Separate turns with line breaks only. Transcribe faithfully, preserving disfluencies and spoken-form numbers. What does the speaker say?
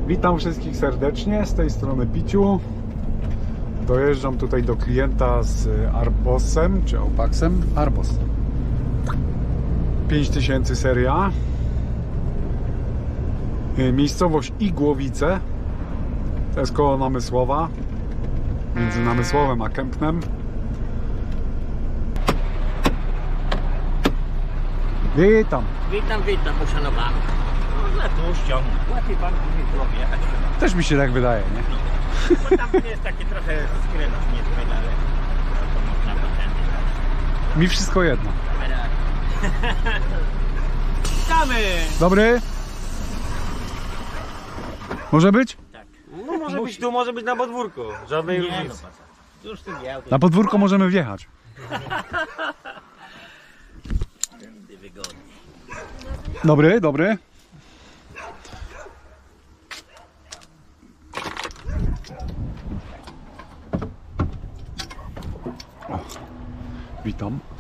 Witam wszystkich serdecznie, z tej strony Piciu. Dojeżdżam tutaj do klienta z Arbosem, czy Opaxem? Arbos. pięć tysięcy seria. Miejscowość Igłowice. To jest koło Namysłowa. Między Namysłowem a Kępnem. Witam.
Witam, witam, uszanowany. Można tu ściągnąć. Łatwiej pan później było wjechać.
Też mi się tak wydaje, nie?
Bo tam jest taki trochę skręt, nie zbyt, ale to można potędy.
Mi wszystko jedno.
Witamy!
Dobry? Może być?
Tak.
No może być tu, może być na podwórku. Żadnej
Nie no,
różnicy.
pasa. Już tu nie
Na podwórko możemy wjechać.
wygodnie.
Dobry, dobry. O, witam.